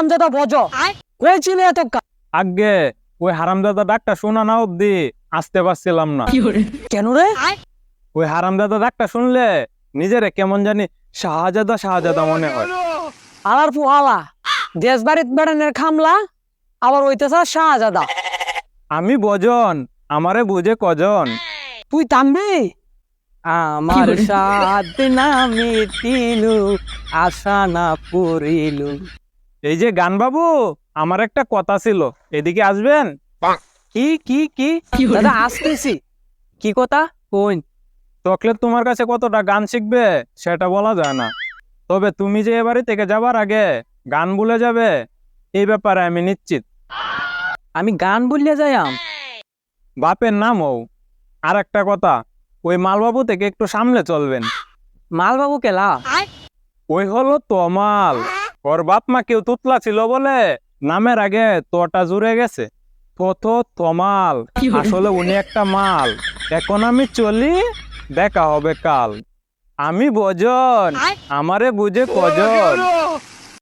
হারামজাদা বজ কয়েছিল এত আগে ওই হারামদাদা ডাকটা শোনা না অব্দি আসতে পারছিলাম না। কেন রে? ওই হারামদাদা ডাকটা শুনলে নিজেরে কেমন জানি শাহজাদা শাহজাদা মনে হয়। আলার ফুহালা দেশ বাড়িত বেড়ানের খামলা আবার হইতেছ শাহজাদা। আমি বজন, আমারে বুঝে কজন। তুই থামবি? আমার সাথ না মিটিলু আশা না পুরিলু। এই যে গান বাবু, আমার একটা কথা ছিল, এদিকে আসবেন? কি কি কি দাদা আসতেছি। কি কথা কোন? চকলেট তোমার কাছে কতটা গান শিখবে সেটা বলা যায় না, তবে তুমি যে এ বাড়ি থেকে যাবার আগে গান ভুলে যাবে এই ব্যাপারে আমি নিশ্চিত। আমি গান বললে যাইম? বাপের নাম ও। আর একটা কথা, ওই মালবাবু থেকে একটু সামলে চলবেন। মালবাবু কেলা? ওই হলো তমাল, ওর বাপ মা কেউ তুতলা ছিল বলে নামের আগে তোটা জুড়ে গেছে। তো তমাল, আসলে উনি একটা মাল। এখন আমি চলি, দেখা হবে কাল। আমি বজন, আমারে বুঝে কজন।